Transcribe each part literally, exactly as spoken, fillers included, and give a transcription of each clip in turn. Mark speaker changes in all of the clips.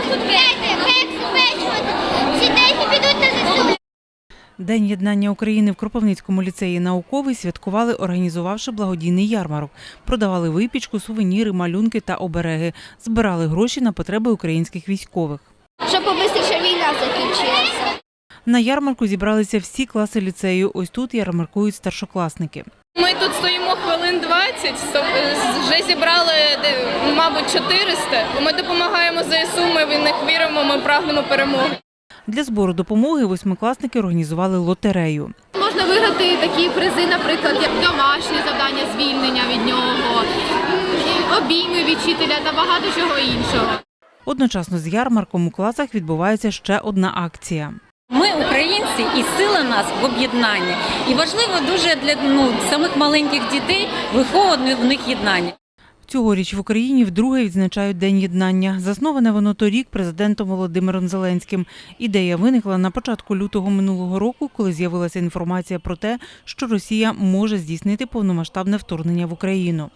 Speaker 1: День єднання України в Кропивницькому ліцеї «Науковий» святкували, організувавши благодійний ярмарок. Продавали випічку, сувеніри, малюнки та обереги. Збирали гроші на потреби українських військових.
Speaker 2: Щоб побистріше війна закінчилася.
Speaker 1: На ярмарку зібралися всі класи ліцею. Ось тут ярмаркують старшокласники.
Speaker 3: Ми тут стоїмо хвилин двадцять, вже зібрали, мабуть, чотириста. Ми допомагаємо ЗСУ, ми в них віримо, ми прагнемо перемоги.
Speaker 1: Для збору допомоги восьмикласники організували лотерею.
Speaker 4: Можна виграти такі призи, наприклад, як домашнє завдання, звільнення від нього, обійми від вчителя та багато чого іншого.
Speaker 1: Одночасно з ярмарком у класах відбувається ще одна акція.
Speaker 5: Ми українці і сила нас в об'єднанні. І важливо дуже для ну, самих маленьких дітей виховувати в них єднання.
Speaker 1: Цьогоріч в Україні вдруге відзначають День єднання. Засноване воно торік президентом Володимиром Зеленським. Ідея виникла на початку лютого минулого року, коли з'явилася інформація про те, що Росія може здійснити повномасштабне вторгнення в Україну.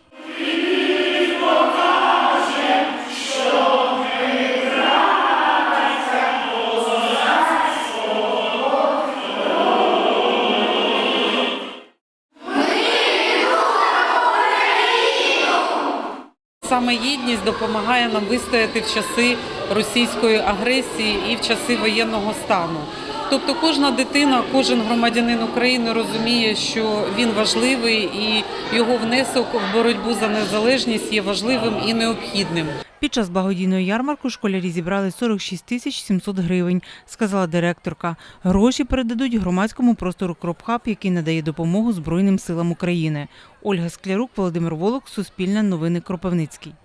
Speaker 6: Саме єдність допомагає нам вистояти в часи російської агресії і в часи воєнного стану. Тобто кожна дитина, кожен громадянин України розуміє, що він важливий і його внесок в боротьбу за незалежність є важливим і необхідним.
Speaker 1: Під час благодійного ярмарку школярі зібрали сорок шість тисяч сімсот гривень, сказала директорка. Гроші передадуть громадському простору «Кропхаб», який надає допомогу Збройним силам України. Ольга Склярук, Володимир Волок, Суспільне новини, Кропивницький.